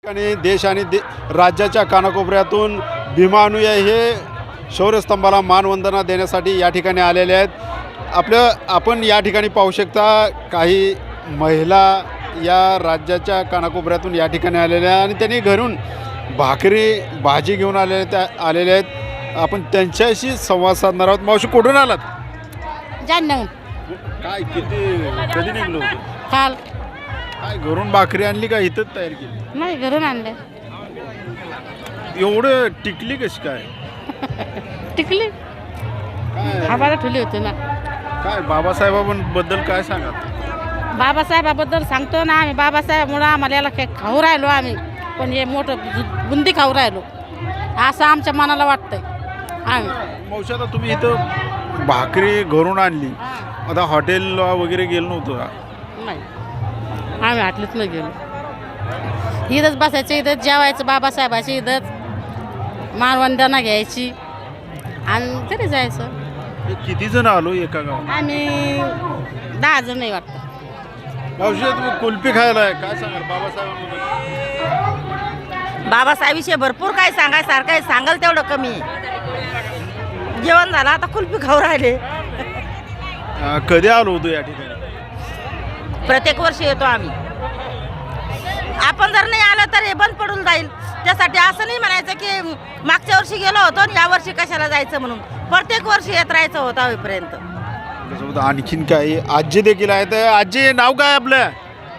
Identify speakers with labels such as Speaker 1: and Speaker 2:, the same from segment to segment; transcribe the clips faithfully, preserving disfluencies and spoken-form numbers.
Speaker 1: आणि देश आणि दे राज्याच्या कानाकोपऱ्यातून भीमा अनुयायी हे शौर्यस्तंभाला मानवंदना देण्यासाठी या ठिकाणी आलेले आहेत। आपलं आपण या ठिकाणी पाहू शकता काही महिला या राज्याच्या कानाकोपऱ्यातून या ठिकाणी आलेल्या आहेत आणि त्यांनी घरून भाकरी भाजी घेऊन आलेले त्या आलेले आहेत। आपण त्यांच्याशी संवाद साधणार आहोत। मावशी कुठून आलात?
Speaker 2: जालन्याहून।
Speaker 1: काय किती कधी निघलो होतो?
Speaker 2: काल।
Speaker 1: काय घरून भाकरी आणली का इथंच तयार केली?
Speaker 2: नाही, घरून आणले।
Speaker 1: एवढं टिकली कशी काय?
Speaker 2: टिकली
Speaker 1: काय
Speaker 2: आम्हाला ठेवली होती ना।
Speaker 1: काय बाबासाहेबांबद्दल काय सांगा?
Speaker 2: बाबासाहेबाबद्दल सांगतो ना आम्ही। बाबासाहेबमुळं आम्हाला याला काय खाऊ राहिलो आम्ही, पण हे मोठं बु- बुंदी खाऊ राहिलो असं आमच्या मनाला वाटतंय। आम्ही
Speaker 1: मावशी आता तुम्ही इथं भाकरी घरून आणली, आता हॉटेलला वगैरे गेलो नव्हतो का?
Speaker 2: नाही, आम्ही हाटलीत नाही गेलो। इथंच बसायचं, इथंच जेवायचं, बाबासाहेबाची इथंच मानवंदना घ्यायची आणि घरी जायचं।
Speaker 1: हे किती जण आलो एका गावात?
Speaker 2: आम्ही दहा जण नाही वाटतं।
Speaker 1: मावशी तुम्ही कुल्फी खायला आहे, काय सांगाल बाबासाहेबांबद्दल?
Speaker 3: बाबासाहेबविषयी भरपूर काय सांगायसारखं आहे, सांगाल तेवढं कमी आहे। जेवण झालं, आता कुल्फी खाऊ राहिले।
Speaker 1: अं, कधी आलो होतो या ठिकाणी?
Speaker 3: प्रत्येक वर्षी येतो आम्ही। आपण जर नाही आलं तर हे बंद पडून जाईल, त्यासाठी असं नाही म्हणायचं की मागच्या वर्षी गेलो होतो आणि या वर्षी कशाला जायचं म्हणून। प्रत्येक वर्षी येत राहायचं होतं होईपर्यंत।
Speaker 1: त्यासोबत आणखीन काय आजी देखील आहेत। आजी नाव काय आपलं?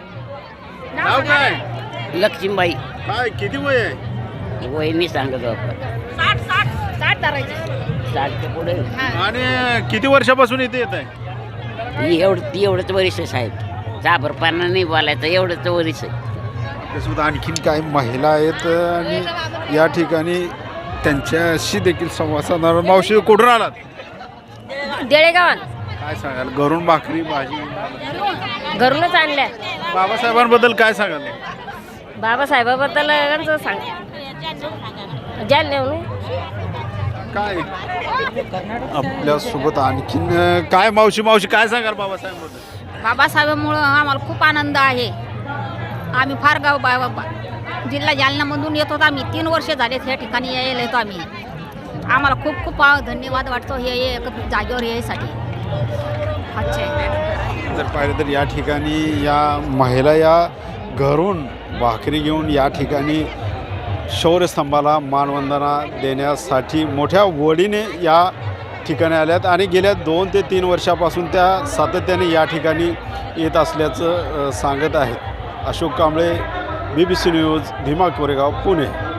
Speaker 1: नाव काय?
Speaker 4: लक्ष्मीबाई
Speaker 1: काय किती वय आहे?
Speaker 4: वहिनी सांगत आपण
Speaker 3: साठ साठ साठ धरायचे।
Speaker 4: साठच्या पुढे
Speaker 1: आणि किती वर्षापासून इथे येत आहे?
Speaker 4: ही एवढं ती एवढंच वरिष्ठ साहेब, जाबरपणा नाही बोलायचं, एवढंच वरिष्ठ आहे.
Speaker 1: त्यासोबत आणखीन काही महिला आहेत आणि या ठिकाणी त्यांच्याशी देखील संवाद साधणार आहोत। मावशी कुठून आलात?
Speaker 2: देळेगावात
Speaker 1: काय सांगाल घरून भाकरी भाजी?
Speaker 2: घरूनच आणल्या।
Speaker 1: बाबासाहेबांबद्दल काय सांगाल?
Speaker 2: बाबासाहेबाबद्दल सांग जालन्याहून।
Speaker 1: काय आपल्यासोबत आणखीन काय मावशी मावशी काय सांगाल बाबासाहेबांबद्दल?
Speaker 5: बाबासाहेबांमुळं आम्हाला खूप आनंद आहे। आम्ही फार गाव बा बा- जिल्हा जालन्यामधून येत होतो। आम्ही तीन वर्ष झाले या ठिकाणी यायला येतो आम्ही। आम्हाला खूप खूप आ- धन्यवाद वाटतो हे हे एक जागेवर यायसाठी। अच्छा आहे।
Speaker 1: जर पाहिलं तर या ठिकाणी या महिला या घरून भाकरी घेऊन या ठिकाणी शौर्यस्तंभाला मानवंदना देण्यासाठी मोठ्या वडीने या ठिकाणी आल्यात आणि गेल्या दोन ते तीन वर्षापासून त्या सातत्याने या ठिकाणी येत असल्याचं अ, सांगत आहेत। Ashok Kamble, B B C news, Bhima Koregaon, Pune.